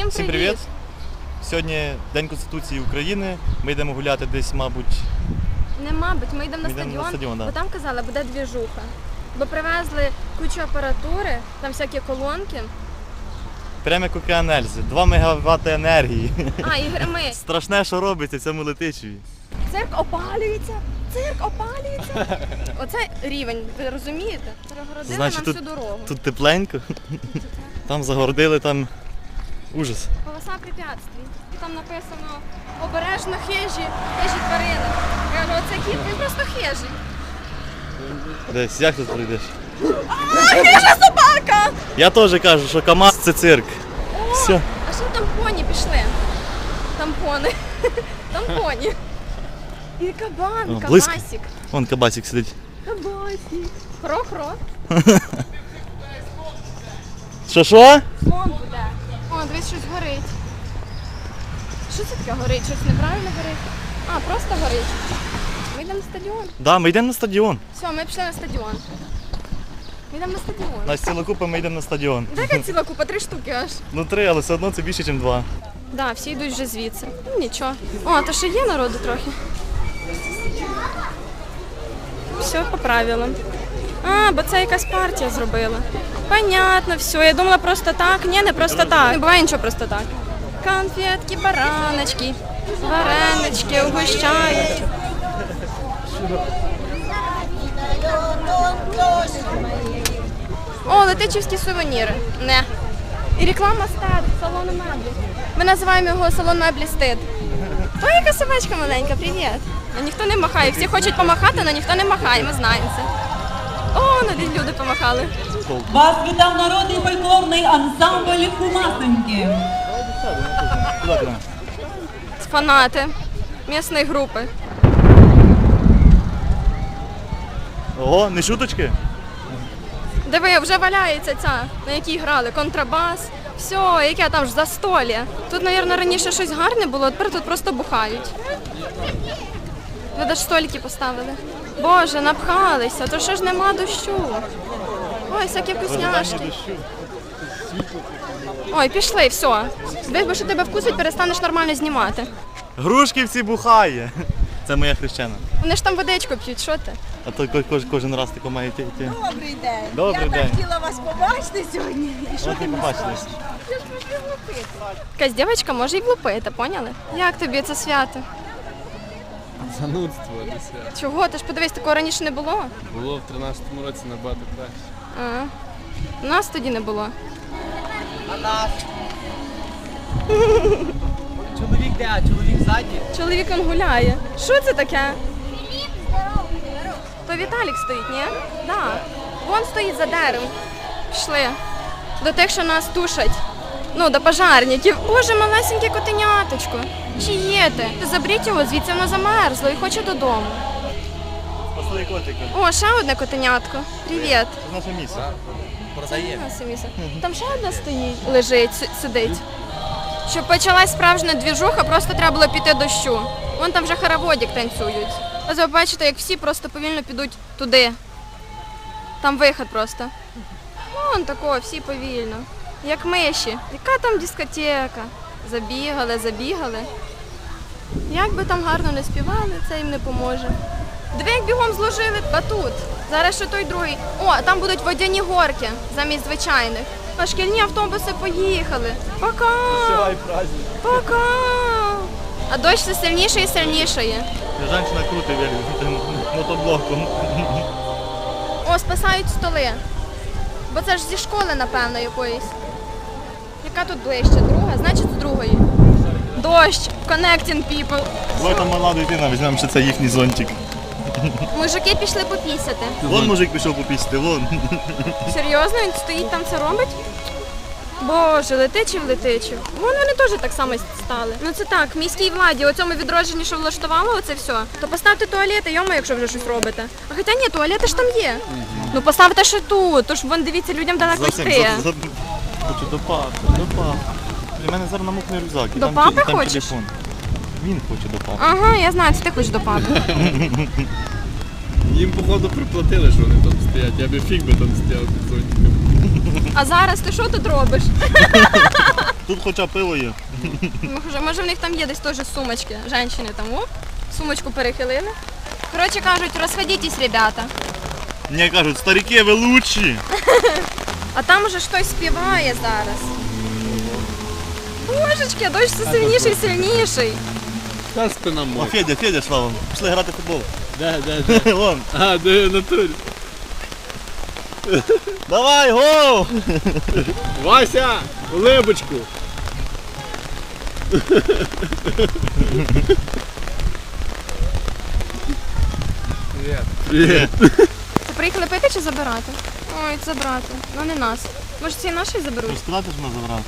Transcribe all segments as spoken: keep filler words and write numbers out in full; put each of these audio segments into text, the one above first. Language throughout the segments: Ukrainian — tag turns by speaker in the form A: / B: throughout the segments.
A: Всім
B: Всім
A: привіт!
B: привіт! Сьогодні День Конституції України. Ми йдемо гуляти десь, мабуть,
A: Не мабуть, ми йдемо на
B: Ми йдемо
A: стадіон,
B: на стадіон, да.
A: бо там казали, буде двіжуха. Бо привезли кучу апаратури, там всякі колонки.
B: прямо як океан Ельзи. два мегаватти енергії.
A: А, і грими.
B: Страшне, що робиться в цьому Летичеві.
A: Цирк опалюється! Цирк опалюється! Оце рівень, ви розумієте? Перегородили
B: Значить,
A: нам
B: тут,
A: всю дорогу.
B: тут тепленько. Там загородили, там ужас.
A: Полоса препятствий. Там написано обережно хижі, хижі тварини. Я кажу, оце кіт, він просто хижий.
B: Десь, як тут прийдеш?
A: А, хижа собака!
B: Я теж кажу, що КамАЗ це цирк.
A: О,
B: Все.
A: а що там поні пішли? Там пони. Там поні. І кабан,
B: О, близько.
A: кабасик.
B: Вон кабасик сидить.
A: Кабасик. Хро-хро.
B: Що що?
A: Слон буде. О, дивись, щось горить. Що це таке горить? Щось неправильно горить? А, просто горить. Ми йдемо на стадіон.
B: Да, ми йдемо на стадіон.
A: Все, ми пішли на стадіон. Ми йдемо на стадіон.
B: Нас ціла купа, ми йдемо на стадіон.
A: Така ціла купа, три штуки аж.
B: Ну три, але все одно це більше, ніж два.
A: Да, всі йдуть вже звідси. Ну, нічого. О, то ще є народу трохи. Все по правилам. А, бо це якась партія зробила. Понятно, все. Я думала просто так. Ні, не просто так. Не буває нічого просто так. Конфетки, бараночки, варенички угощають. О, летичівські сувеніри. Не. І реклама стед, салону меблі. Ми називаємо його салон меблі стид. О, яка собачка маленька, привіт. А ніхто не махає. Всі хочуть помахати, але ніхто не махає, ми знаємо це. О, навіть люди помахали.
C: Вас вітав народний фольклорний ансамбль Кумасеньки.
B: Куди прямо?
A: Фанати місної групи.
B: Ого, не шуточки?
A: Диви, вже валяється ця, на якій грали, контрабас. Все, яке там ж застолля. Тут, мабуть, раніше щось гарне було, а тепер тут просто бухають. Ви навіть столики поставили. Боже, напхалися, то що ж нема дощу. Ой, всякі вкусняшки. Ой, пішли, все. Бо що тебе вкусить, перестанеш нормально знімати.
B: Грушківці бухає. Це моя хрещена.
A: Вони ж там водичку п'ють, що ти?
B: А то ко- кож- кожен раз тако має йти. йти.
D: Добрий день.
B: Добрий
D: Я
B: день.
D: так хотіла вас побачити сьогодні. І що
B: От
D: ти
B: і
D: мені
B: побачили.
D: скажеш? Я ж можу влупити.
A: Якась дівчинка може і влупити, поняли? Як тобі це свято?
E: Занудство десять.
A: Чого? Ти ж подивись, такого раніше не було.
E: Було в тринадцятому році набагато краще.
A: А, у нас тоді не було.
F: Чоловік де, а чоловік ззаді.
A: Чоловік он гуляє. Що це таке? То Віталік стоїть, ні? Да. Вон стоїть за деревом. Пішли. До тих, що нас тушать. Ну, до пожарників. Боже, малесеньке котеняточко. Чи є ти? Заберіть його, звідси воно замерзло і хоче додому.
B: Спасли котика.
A: О, ще одне котенятко. Привіт.
B: Це наше місце.
F: Продає.
A: Ось місце. Там ще одна стоїть, лежить, си- сидить. Щоб почалась справжня двіжуха, просто треба було піти дощу. Вон там вже хороводик танцюють. Ось ви бачите, як всі просто повільно підуть туди. Там вихід просто. Вон такого, всі повільно. Як миші. Яка там дискотека? Забігали, забігали. Як би там гарно не співали, це їм не поможе. Диви, як бігом зложили батут. Зараз ще той другий. О, там будуть водяні горки замість звичайних. А шкільні автобуси поїхали. Пока! Пока! А дощ все сильніше і сильніше є.
B: Женщина крутить велик мотоблоком.
A: О, спасають столи. Бо це ж зі школи, напевно, якоїсь. Яка тут ближче? Друга? Значить, з другої. Дощ, connecting people.
B: Ой, там мала дитина, візьмемо, що це їхній зонтик.
A: Мужики пішли попісяти.
B: Вон мужик пішов попісти, вон.
A: Серйозно, він стоїть там, це робить? Боже, летичів, летичів. Вон вони теж так само стали. Ну це так, міській владі, у цьому відродженні, що влаштувало оце все, то поставте туалети, йому, якщо вже щось робите. А хоча ні, туалети ж там є. Ну поставте ще тут, тож вон дивіться, людям далеко
B: За цим,
A: йти.
B: за- за- Хочу до папи, до папи. У мене зараз намокне рюкзак. і
A: До
B: там
A: папи
B: ті- там
A: хочеш?
B: телефон. Він хоче до папи.
A: Ага, я знаю, це ти хочеш до папи.
E: Їм, походу, приплатили, що вони там стоять. Я би фіг би там стояв під зонтиком.
A: А зараз ти що тут робиш?
B: Тут хоча пиво є.
A: Може, може в них там є десь теж сумочки. Женщини там, оп, сумочку перехилили. Коротше кажуть, розходітесь, ребята.
B: Мені кажуть, старики, ви лучші.
A: А там уже хтось співає зараз. Божечки, а дощ все сильніший і сильніший.
E: Та спина
B: О,
E: мокра.
B: Федя, Федя, слава. Пішли грати в футбол.
E: Де, де, де?
B: Вон.
E: А, де в натурі?
B: Давай, гол!
E: Вася, улибочку. Привіт. Привіт.
A: Це приїхали пити чи забирати? Ой, забрати. Ну не нас. Може ці наші заберуть?
B: Розказати ж нас забрати.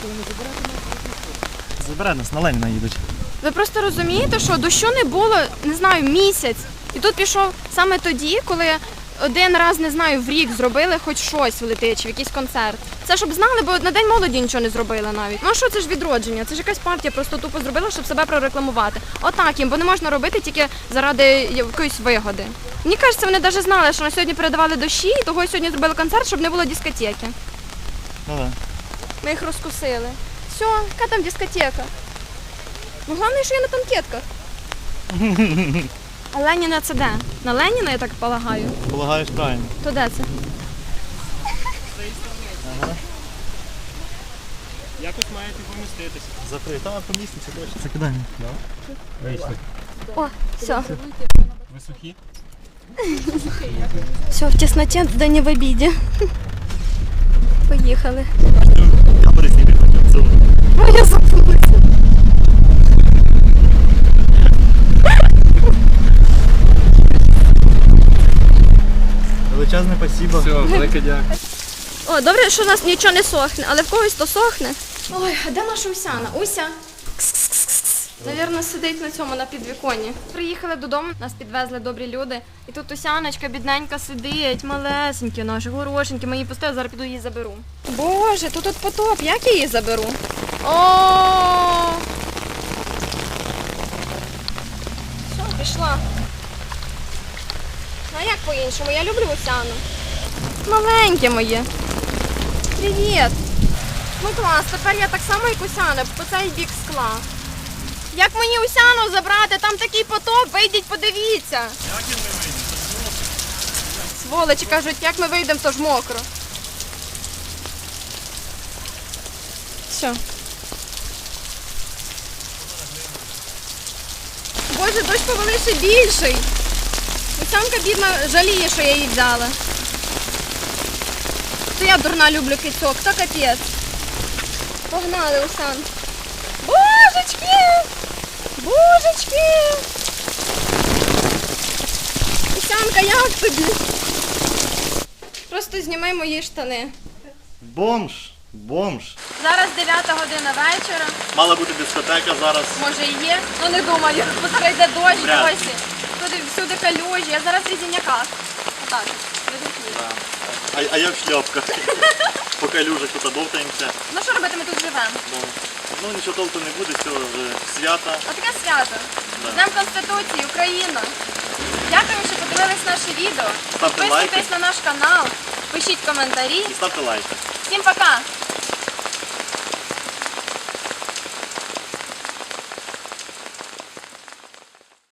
B: Забирай нас, на Леніна їдуть.
A: Ви просто розумієте, що дощу не було, не знаю, місяць. І тут пішов саме тоді, коли один раз, не знаю, в рік зробили хоч щось в Летичі, якийсь концерт. Це щоб знали, бо на День молоді нічого не зробили навіть. Ну а що це ж відродження? Це ж якась партія просто тупо зробила, щоб себе прорекламувати. Отак їм, бо не можна робити тільки заради якоїсь вигоди. Мені кажеться, вони навіть знали, що на сьогодні передавали дощі, і того сьогодні зробили концерт, щоб не було дискотеки.
B: Ну да.
A: Ми їх розкусили. Все, яка там дискотека? Ну, головне, що я на танкетках. А Леніна це де? На Леніна, я так полагаю.
B: Полагаєш правильно.
A: То де це?
G: Якось маєте поміститися.
B: Закрий. Там поміститься точно. Закидай.
G: Вийшли.
A: О, все.
G: Ви сухі?
A: Все, в тесноті, да не в обіді. Поїхали.
B: Камери зніміть потім цю.
A: Ой, я забулася.
B: Величезне спасибо.
E: Все, велике дякую.
A: О, добре, що у нас нічого не сохне, але в когось то сохне. Ой, а де наша Усяна? Уся? Кс-кс-кс-кс. Навірно, сидить на цьому, на підвіконні. Приїхали додому, нас підвезли добрі люди. І тут Усяночка бідненька сидить, малесенькі наші, горошенькі. Ми її пустили, зараз піду її заберу. Боже, тут тут потоп, як я її заберу? О! Все, пішла. Ну а як по-іншому? Я люблю Усяну. Маленьке моє. Привіт. Ну клас, тепер я так само, як Усяна, по цей бік скла. Як мені Усяну забрати? Там такий потоп, вийдіть, подивіться.
G: Як і ми вийдемо?
A: Сволочі кажуть, як ми вийдемо, то ж мокро. Все. Боже, дощ повели ще більший. Усянка бідна жаліє, що я її взяла. То я дурна люблю кицьок, то капець. Погнали, Усан. Божечки! Божечки! Усянка, як тобі? Просто зніми мої штани.
B: Бомж. Бомж.
A: Зараз дев'ята година вечора.
B: Мала бути дискотека зараз.
A: Може і є, ну не думаю, бо зараз йде дощ,
B: Вряд ли.
A: досі. Туди всюди калюжі, я зараз в різіняках. Отак, відгукні.
B: А, а я в шльопках. По калюжах тут бовтаємося.
A: Ну що робити, ми тут живемо?
B: Ну, ну нічого толку не буде, цього вже свята.
A: Отаке свято.
B: Да.
A: З Днем Конституції, Україна. Дякую, що подивились наше відео.
B: Ставте
A: Підписуйтесь
B: лайки.
A: на наш канал, пишіть коментарі.
B: І ставте лайки.
A: Всім пока!